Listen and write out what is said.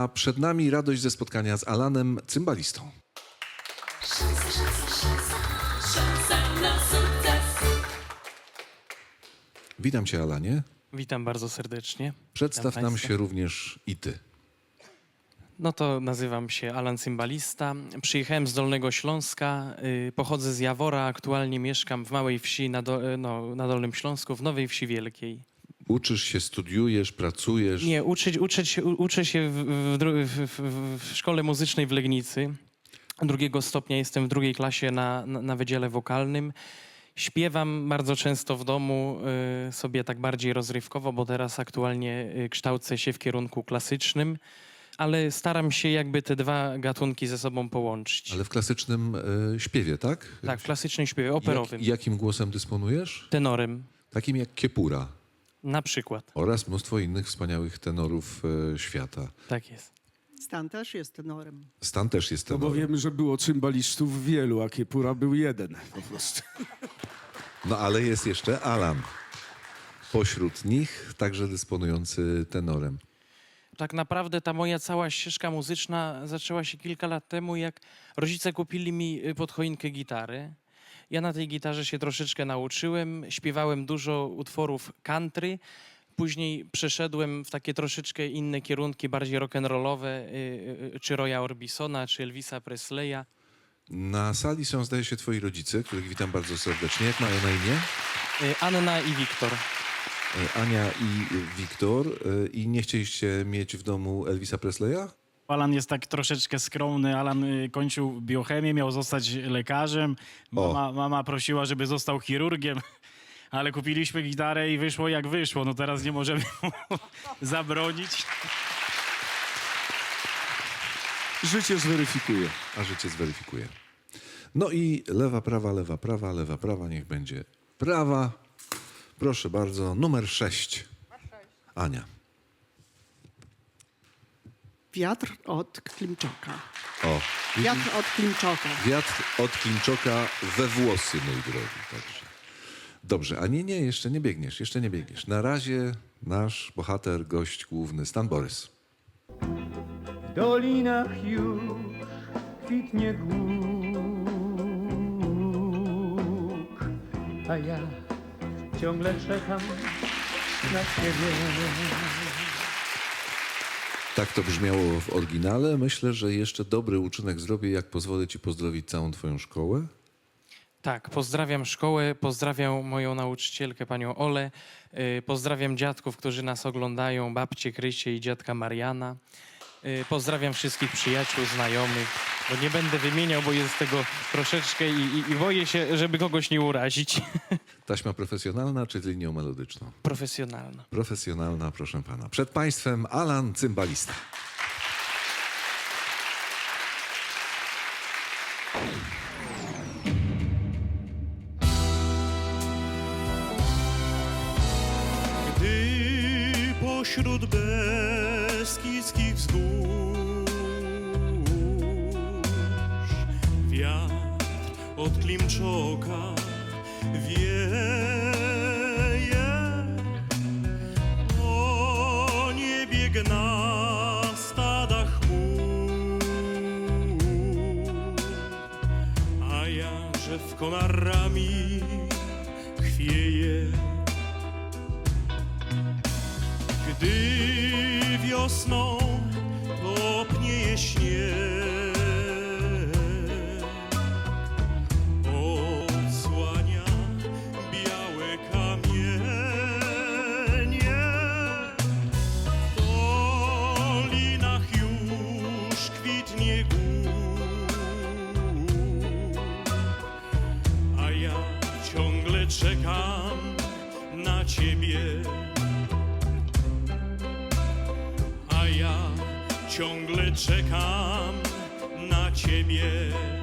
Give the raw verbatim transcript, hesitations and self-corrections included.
A przed nami radość ze spotkania z Alanem Cymbalistą. Szansa, szansa, szansa, szansa na sukces. Witam cię, Alanie. Witam bardzo serdecznie. Przedstaw Witam nam państwa. się również i ty. No to nazywam się Alan Cymbalista. Przyjechałem z Dolnego Śląska, y, pochodzę z Jawora, aktualnie mieszkam w małej wsi na, do, no, na Dolnym Śląsku, w Nowej Wsi Wielkiej. Uczysz się, studiujesz, pracujesz. Nie, uczyć, uczyć, się- u- uczę się w, w, dru- w, w, w szkole muzycznej w Legnicy. Drugiego stopnia jestem w drugiej klasie na, na, na wydziale wokalnym. Śpiewam bardzo często w domu, y, sobie tak bardziej rozrywkowo, bo teraz aktualnie y, kształcę się w kierunku klasycznym, ale staram się jakby te dwa gatunki ze sobą połączyć. Ale w klasycznym e, śpiewie, tak? Tak, w klasycznym śpiewie operowym, Jak, jakim głosem dysponujesz? tenorem Takim jak Kiepura na przykład. oraz mnóstwo innych wspaniałych tenorów e, świata. Tak jest. Stan też jest tenorem. Stan też jest No bo tenorem. wiemy, że było cymbalistów wielu, a Kiepura był jeden po prostu. No ale jest jeszcze Alan. Pośród nich także dysponujący tenorem. Tak naprawdę ta moja cała ścieżka muzyczna zaczęła się kilka lat temu, jak rodzice kupili mi y, pod choinkę gitary. Ja na tej gitarze się troszeczkę nauczyłem, śpiewałem dużo utworów country. Później przeszedłem w takie troszeczkę inne kierunki, bardziej rock'n'rollowe, y, y, czy Roya Orbisona, czy Elvisa Presleya. Na sali są, zdaje się, twoi rodzice, których witam bardzo serdecznie. Jak mają na imię? Y, Anna i Wiktor. E, Ania i Wiktor. E, I nie chcieliście mieć w domu Elvisa Presleya? Alan jest tak troszeczkę skromny. Alan y, kończył biochemię, miał zostać lekarzem. Mama, mama prosiła, żeby został chirurgiem, ale kupiliśmy gitarę i wyszło jak wyszło. No teraz nie możemy mu zabronić. Życie zweryfikuje. A życie zweryfikuje. No i lewa, prawa, lewa, prawa, lewa, prawa, niech będzie prawa. Proszę bardzo, numer sześć. Ania. Wiatr od Klimczoka. O, Wiatr od Klimczoka. wiatr od Klimczoka we włosy, mój drogi. Także. Dobrze, a nie, nie, jeszcze nie biegniesz, jeszcze nie biegniesz. Na razie nasz bohater, gość główny, Stan Borys. W dolinach już kwitnie głuk, a ja ciągle czekam na ciebie. Tak to brzmiało w oryginale. Myślę, że jeszcze dobry uczynek zrobię, jak pozwolę ci pozdrowić całą twoją szkołę. Tak, pozdrawiam szkołę, pozdrawiam moją nauczycielkę, panią Olę, y, pozdrawiam dziadków, którzy nas oglądają, babcię Krysię i dziadka Mariana. Y, Pozdrawiam wszystkich przyjaciół, znajomych, bo nie będę wymieniał, bo jest tego troszeczkę i, i, i boję się, żeby kogoś nie urazić. Taśma profesjonalna czy z linią melodyczną? Profesjonalna. Profesjonalna, proszę pana. Przed państwem Alan Cymbalista. Gdy pośród beskidzkich wzgórz wiatr od Klimczoka wieje, o niebie gna stada chmur, a ja, że w konarami chwieje. Gdy wiosną topnieje śnieg, odsłania białe kamienie. W dolinach już kwitnie głuk, a ja ciągle czekam na ciebie. A ja ciągle czekam na ciebie.